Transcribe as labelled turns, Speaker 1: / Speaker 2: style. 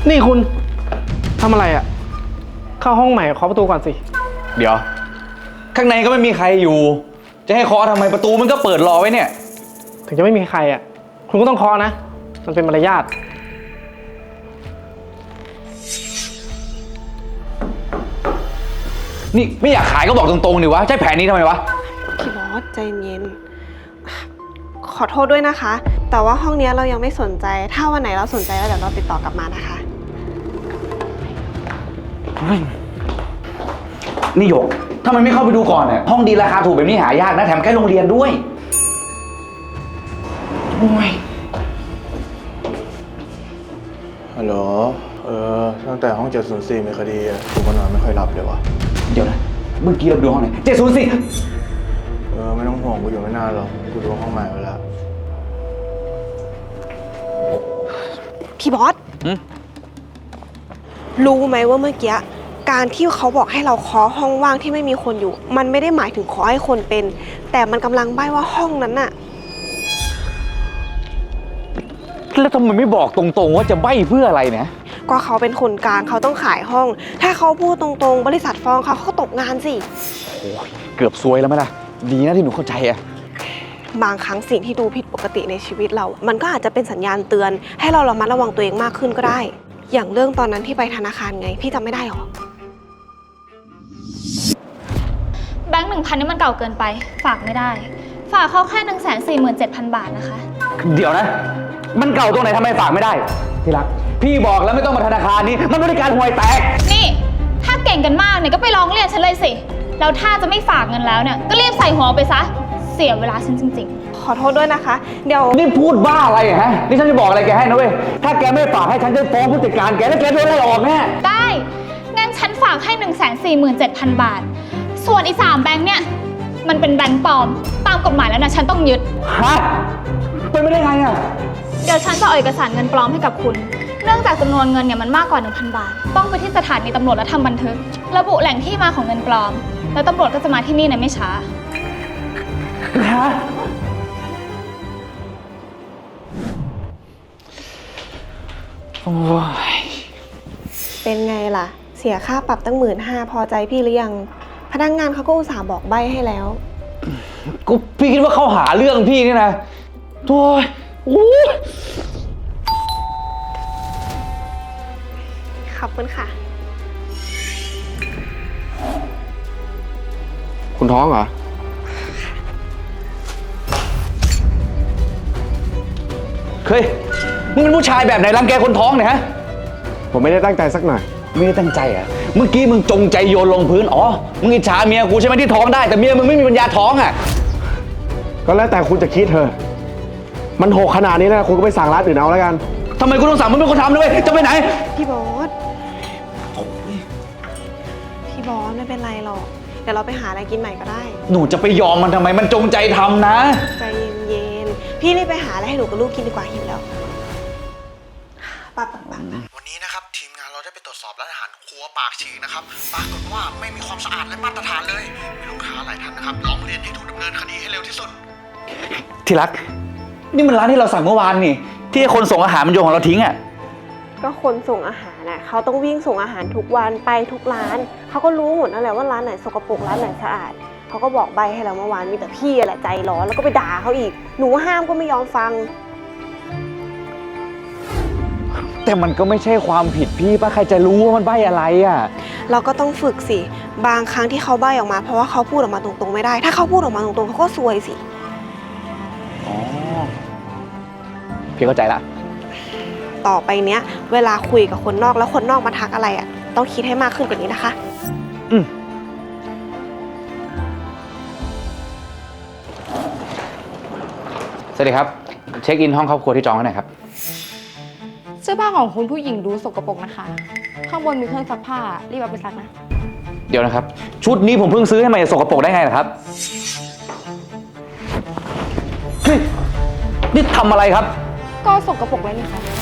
Speaker 1: นี่คุณทำอะไรอ่ะเข้าห้องใหม่เคาะประตูก่อนสิ
Speaker 2: เดี๋ยวข้างในก็ไม่มีใครอยู่จะให้เคาะทำไมประตูมันก็เปิดรอไว้เนี่ย
Speaker 1: ถึงจะไม่มีใครอ่ะคุณก็ต้องเคาะนะมันเป็นมารยาท
Speaker 2: นี่ไม่อยากขายก็บอกตรงๆดิวะใช้แผนนี้ทำไมวะ
Speaker 3: พี่บอสใจเย็นขอโทษด้วยนะคะแต่ว่าห้องนี้เรายังไม่สนใจถ้าวันไหนเราสนใจแล้วเดี๋ยวเราติดต่อกลับมานะคะ
Speaker 2: นี่หยกทำไมไม่เข้าไปดูก่อนเนี่ยห้องดีราคาถูกแบบนี้หายากนะแถมใกล้โรงเรียนด้วยโอ้ย
Speaker 4: ฮัลโหลตั้งแต่ห้อง704มีคดีกูก็นอนไม่ค่อยหลับเลยวะ
Speaker 2: เดี๋ยวนะเมื่อกี้เราดูห้องไหน704
Speaker 4: ไม่ต้องห่วงกูอยู่ไม่นานหรอกกูดูห้องใหม่ไว้แล้ว
Speaker 3: พี่บอสรู้ไหมว่าเมื่อกี้การที่เขาบอกให้เราเคาะห้องว่างที่ไม่มีคนอยู่มันไม่ได้หมายถึงเคาะให้คนเป็นแต่มันกำลังใบ้ว่าห้องนั้นน่ะ
Speaker 2: แล้วทำไมไม่บอกตรงๆว่าจะใบ้เพื่ออะไรเนี่ย
Speaker 3: ก็เขาเป็นคนกลางเขาต้องขายห้องถ้าเขาพูดตรงๆบริษัทฟ้องเขาก็ตกงานสิ
Speaker 2: โอ้ยเกือบซวยแล้วไหมล่ะดีนะที่หนูเข้าใจอะ
Speaker 3: บางครั้งสิ่งที่ดูผิดปกติในชีวิตเรามันก็อาจจะเป็นสัญญาณเตือนให้เราระมัดระวังตัวเองมากขึ้นก็ได้อย่างเรื่องตอนนั้นที่ไปธนาคารไงพี่จำไม่ได้หรอ
Speaker 5: แบงค์ 1,000นี่มันเก่าเกินไปฝากไม่ได้ฝากเขาแค่ 147,000 บาทนะคะ
Speaker 2: เดี๋ยวนะมันเก่าตรงไหนทำไมฝากไม่ได้ที่รักพี่บอกแล้วไม่ต้องมาธนาคารนี้มันบริการห่วยแตก
Speaker 5: นี่ถ้าเก่งกันมากเนี่ยก็ไปร้องเรียนฉันเลยสิแล้วถ้าจะไม่ฝากเงินแล้วเนี่ยก็รีบใส่หัวไปซะเสียเวลาฉันจริง
Speaker 3: ๆขอโทษด้วยนะคะเดี๋ยว
Speaker 2: นี่พูดบ้าอะไรฮะนี่ฉันจะบอกอะไรแกให้นะเว้ยถ้าแกไม่ฝากให้ฉันจะฟ้องผู้จัดการแกแล้วแกโดนไล่ออกแน่
Speaker 5: ได้งั้นฉันฝากให้ 147,000 บาทส่วนอีก3แบงค์เนี่ยมันเป็นแบงค์ปลอมตามกฎหมายแล้วนะฉันต้องยึด
Speaker 2: ฮะเป็นไม่ได้ไงอะ
Speaker 5: เดี๋ยวฉันจะเอาเอกสารเงินปลอมให้กับคุณเนื่องจากจำนวนเงินเนี่ยมันมากกว่า 1,000 บาทต้องไปที่สถานีตำรวจและทำบันทึกระบุแหล่งที่มาของเงินปลอมแล้วตำรวจก็จะมาที่นี่ในไม่ช้า
Speaker 2: ฮะโอ้ย
Speaker 3: เป็นไงล่ะเสียค่าปรับตั้ง15,000พอใจพี่หรือยังพนักงานเขาก็อุตส่าห์บอกใบให้แล้ว
Speaker 2: กูพี่คิดว่าเขาหาเรื่องพี่นี่นะโอ้ย
Speaker 3: ขอบคุณค่ะ
Speaker 1: คุณท้องเหรอ
Speaker 2: เฮ้ยมึงเป็นผู้ชายแบบไหนรังแกคนท้องเนี่ยฮะ
Speaker 1: ผมไม่ได้ตั้งใจสักหน่อย
Speaker 2: ไม่ได้ตั้งใจอ่ะเมื่อกี้มึงจงใจโยนลงพื้นอ๋อมึงอิจฉาเมียกูใช่ไหมที่ท้องได้แต่เมียมึงไม่มีปัญญาท้องอ่ะ
Speaker 1: ก็แล้วแต่คุณจะคิดเถอะมันโหกขนาดนี้นะคุณก็ไปสั่งร้านอื่นเอาแล้วกัน
Speaker 2: ทำไมกูต้องสั่งมึงเป็นคนทำด้วยจะไปไหน
Speaker 3: พี่บอสไม่เป็นไรหรอกเดี๋ยวเราไปหาอะไรกินใหม่ก็ได้
Speaker 2: หนูจะไปยอมมันทำไมมันจงใจทำนะ
Speaker 3: ใจเย็นๆพี่รีบไปหาอะไรให้หนูกับลูกกินดีกว่าหิวแล้วปั๊บ
Speaker 4: วันนี้นะครับทีมงานเราได้ไปตรวจสอบร้านอาหารครัวปากฉีกนะครับปรากฏว่าไม่มีความสะอาดและมาตรฐานเลยมีลูกค้าหลายท่านนะครับร้องเรียนให้ถูกดำเนินคดีให้เร็วที่สุด
Speaker 2: ที่รักนี่มันร้านที่เราสั่งเมื่อวานนี่ที่คนส่งอาหารมันโยนของเราทิ้งอ่ะ
Speaker 3: ก็คนส่งอาหารน่ะเขาต้องวิ่งส่งอาหารทุกวันไปทุกร้านเขาก็รู้หมดนั่นแหละว่าร้านไหนสกปรกร้านไหนสะอาดเขาก็บอกใบให้เราเมื่อวานมีแต่พี่แหละใจร้อนแล้วก็ไปด่าเขาอีกหนูห้ามก็ไม่ยอมฟัง
Speaker 2: แต่มันก็ไม่ใช่ความผิดพี่ป่ะใครจะรู้ว่ามันใบอะไรอ่ะ
Speaker 3: เราก็ต้องฝึกสิบางครั้งที่เขาใบออกมาเพราะว่าเขาพูดออกมาตรงๆไม่ได้ถ้าเขาพูดออกมาตรงๆเขาก็ซวยสิ
Speaker 2: อ๋อพี่เข้าใจละ
Speaker 3: ต่อไปเนี้ยเวลาคุยกับคนนอกแล้วคนนอกมาทักอะไรอ่ะต้องคิดให้มากขึ้นกว่านี้นะคะ
Speaker 2: สวัสดีครับเช็คอินห้องครอบครัวที่จองให้หน่อยครับ
Speaker 6: เสื้อผ้าของคุณผู้หญิงดูสกปรกนะคะข้างบนมีเครื่องซักผ้ารีบเอาไปซักนะ
Speaker 2: เดี๋ยวนะครับชุดนี้ผมเพิ่งซื้อให้มันจะสกปรกได้ไงล่ะครับนี่ทำอะไรครับ
Speaker 6: ก็สกปรกไว้นี่คะ